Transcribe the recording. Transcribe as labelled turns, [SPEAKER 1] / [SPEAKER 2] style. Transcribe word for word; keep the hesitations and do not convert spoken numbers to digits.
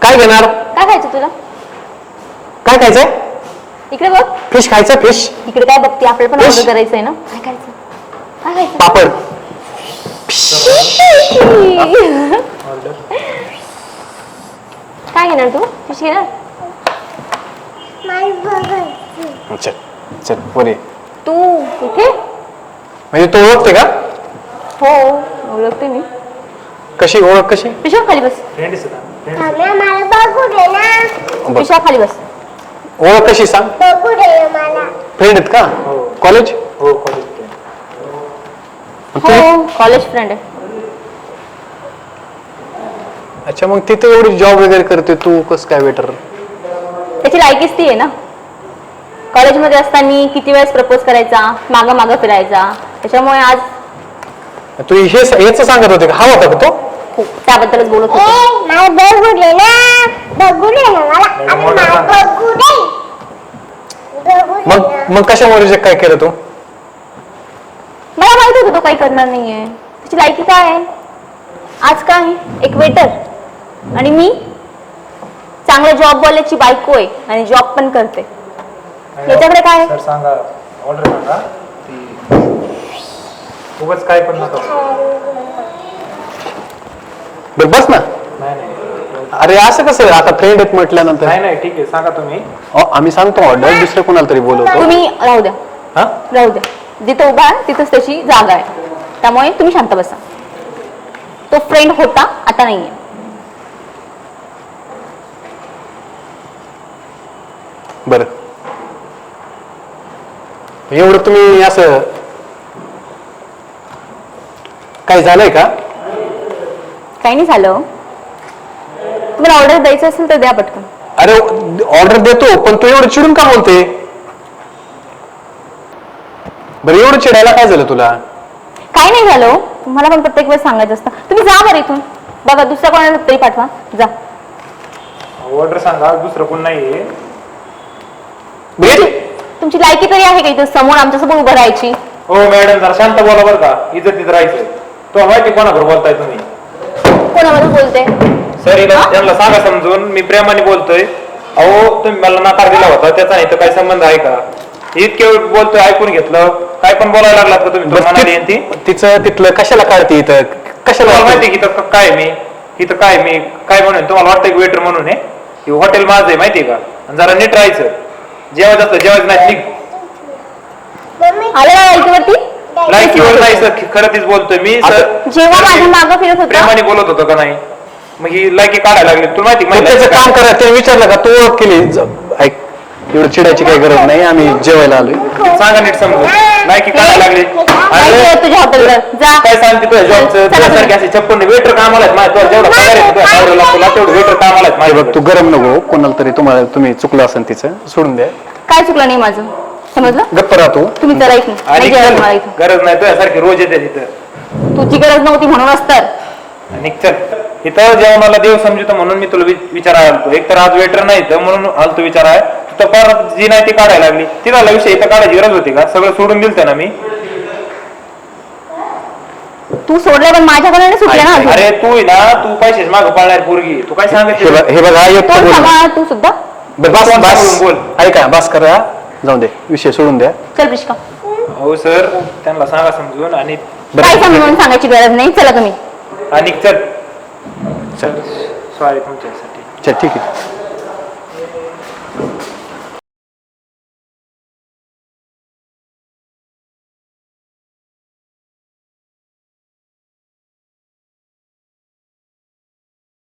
[SPEAKER 1] काय घेणार?
[SPEAKER 2] काय खायचं तुला?
[SPEAKER 1] काय खायचंय?
[SPEAKER 2] इकडे बघ.
[SPEAKER 1] फिश खायचं? फिश
[SPEAKER 2] इकडे काय बघते? आपल्याला पण
[SPEAKER 1] Fish?
[SPEAKER 2] ऑर्डर करायचंय ना. काय खायचं? काय खायचं?
[SPEAKER 1] पापड.
[SPEAKER 2] काय घेणार तू? फिश घेणार?
[SPEAKER 1] चल चल पुरे.
[SPEAKER 2] तू इथे?
[SPEAKER 1] म्हणजे तू ओळखते का?
[SPEAKER 2] हो ओळखते मी.
[SPEAKER 1] कशी ओळख कशी?
[SPEAKER 2] पिशा खाली बस.
[SPEAKER 1] बघ.
[SPEAKER 2] पिशा खाली बस.
[SPEAKER 1] ओळख कशी सांग? फ्रेंड आहेत का? कॉलेज?
[SPEAKER 3] हो कॉलेज.
[SPEAKER 2] हो कॉलेज फ्रेंड आहे.
[SPEAKER 1] अच्छा मग तिथे एवढी जॉब वगैरे करते तू कसं काय वेटर?
[SPEAKER 2] त्याची लायकीच ती आहे ना. कॉलेजमध्ये असताना किती वेळेस प्रपोज करायचा, मागं मागं फिरायचा. त्याच्यामुळे आज
[SPEAKER 1] तू हे हेच सांगत होते का? हा होता का तो?
[SPEAKER 2] हो, त्याबद्दलच बोलत होते.
[SPEAKER 1] मग मग कशामुळे रिजेक्ट काय केलं तू?
[SPEAKER 2] मला माहित होतं तो काही करणार नाहीये. त्याची लायकी काय आहे? आज काय एक वेटर आणि मी चांगल्या जॉब वाल्याची बायको आहे आणि जॉब पण करते. याच्याकडे काय आहे?
[SPEAKER 3] सर सांगा ऑर्डर सांगा ती उगाच काय पण नका.
[SPEAKER 1] बरं बस ना.
[SPEAKER 3] नाही नाही
[SPEAKER 1] अरे असं कसं आता फ्रेंड आहेत म्हटल्यानंतर?
[SPEAKER 3] नाही नाही ठीक आहे सांगा तुम्ही.
[SPEAKER 1] अहो, आम्ही सांगतो ऑर्डर दुसरं कोणाला तरी बोलवतो.
[SPEAKER 2] तुम्ही राहू द्या
[SPEAKER 1] हा
[SPEAKER 2] राहू द्या. जिथं उभा आहे तिथंच त्याची जागा आहे. त्यामुळे तुम्ही शांत बसा. तो फ्रेंड होता आता नाहीये.
[SPEAKER 1] बरं एवढं तुम्ही असं काय झालंय का?
[SPEAKER 2] काही नाही झालं. तुम्हाला ऑर्डर द्यायचं असेल तर द्या पटकन.
[SPEAKER 1] अरे ऑर्डर देतो पण तू एवढं चिडून का बोलते? बरं एवढं चिडायला काय झालं तुला?
[SPEAKER 2] काही नाही झालं. तुम्हाला पण प्रत्येक वेळेस सांगायचं असतं. तुम्ही जा बरं इथून. बघा दुसऱ्या कोणाला तरी पाठवा. जा.
[SPEAKER 3] ऑर्डर सांगा दुसरं कोण नाहीये.
[SPEAKER 2] तुमची लायकी तरी आहे का इथं समोर आमच्यासोबत उभं राहायची?
[SPEAKER 3] हो मॅडम जरा शांत बोला बरं का. इज्जतीत राहायचं. तो माहिती कोणाबरोबर बोलताय तुम्ही?
[SPEAKER 2] कोणाबरोबर बोलते?
[SPEAKER 3] सर त्यांना सांगा समजून मी प्रेमाने बोलतोय. अहो तुम्ही मला नकार दिला होता त्याचा इथं काय संबंध आहे का? इतके बोलतोय ऐकून घेतलं. काय पण बोलायला लागलात का तुम्ही? म्हणाली ती
[SPEAKER 1] तिचं तिथलं कशाला काढते इथं? कशाला
[SPEAKER 3] माहिती की इथं काय मी इथं काय मी काय म्हणून तुम्हाला वाटतं की वेटर म्हणून आहे? हॉटेल माझं आहे माहितीये का? जरा नीट राहायचं. जेवायचं असतं जेवायचं नाही. निघ.
[SPEAKER 2] आलं ना लायकीवरती?
[SPEAKER 3] लायकीवर नाही सर खरं तीच बोलतोय मी सर.
[SPEAKER 2] जेव्हा माझ्या मागं फिरत होता
[SPEAKER 3] प्रेमाने बोलत होतो का नाही? मग ही लायकी काढायला लागली तुला माहिती
[SPEAKER 1] मग त्याचं काम करा. ते विचारलं का तू ओळख केली? ज- ऐक एवढं चिडायची काही गरज नाही. आम्ही जेवायला आलोय.
[SPEAKER 3] सांगा नीट समजून. लायकी काढायला लागली.
[SPEAKER 2] माहिती आहे तुझ्या हॉटेलवर. जा.
[SPEAKER 3] काय सांगते तुझ्या जॉबचं तुझ्यासारखे असे छप्पन वेटर कामाला आहेत माझ्या. तुला जेवढा पगार आहे तुझ्या नवऱ्याला तुला तेवढं वेटर कामाला आहेत
[SPEAKER 1] हे
[SPEAKER 3] माझ्या.
[SPEAKER 1] बघ तू गरम नको. कोणाला तरी तुम्हाला तुम्ही चुकलं असेल तिचं सोडून द्या.
[SPEAKER 2] काय चुकलं नाही माझं समजलं?
[SPEAKER 1] गप्प राहतो.
[SPEAKER 2] तुम्ही चला इथून.
[SPEAKER 3] आणि
[SPEAKER 2] नाही जेवायला मला
[SPEAKER 3] चल,
[SPEAKER 2] इथून.
[SPEAKER 3] गरज नाही तुझ्यासारखी रोज येते तिथं.
[SPEAKER 2] तुझी गरज नव्हती म्हणूनच तर.
[SPEAKER 3] आणि चल इथं जेवणाला देव समजतो म्हणून मी तुला वि- विचारायला आलतो. एक तर आज वेटर नाही तर म्हणून आलतो विचाराय. तर परत जी नाही ती काढायला लागली. तिला विषय इथं काढायची गरज होती का? सगळं सोडून दिलतं ना मी.
[SPEAKER 2] तू सोडलं पण माझ्याकडे सुटलं ना अजून.
[SPEAKER 3] अरे तू ना तू पैसेच मागं पळणार पोरगी. तू काय
[SPEAKER 1] हे
[SPEAKER 3] सांगितलं?
[SPEAKER 1] बघ हे बघा येतो
[SPEAKER 2] तोंड
[SPEAKER 1] बोल.
[SPEAKER 2] सांभाळ तू सुद्धा.
[SPEAKER 1] बरं, बस
[SPEAKER 3] तोंड
[SPEAKER 1] बस
[SPEAKER 3] सांभाळून बोल.
[SPEAKER 1] ऐका बस करा. जाऊ दे विषय सोडून द्या.
[SPEAKER 2] चल प्रिशका.
[SPEAKER 3] हो सर त्यांना सांगा समजून. आणि
[SPEAKER 2] काय समजून सांगायची गरज नाही. चला तुम्ही.
[SPEAKER 3] आणि चल
[SPEAKER 1] चल
[SPEAKER 3] सॉरी तुमच्यासाठी.
[SPEAKER 1] चल ठीक आहे.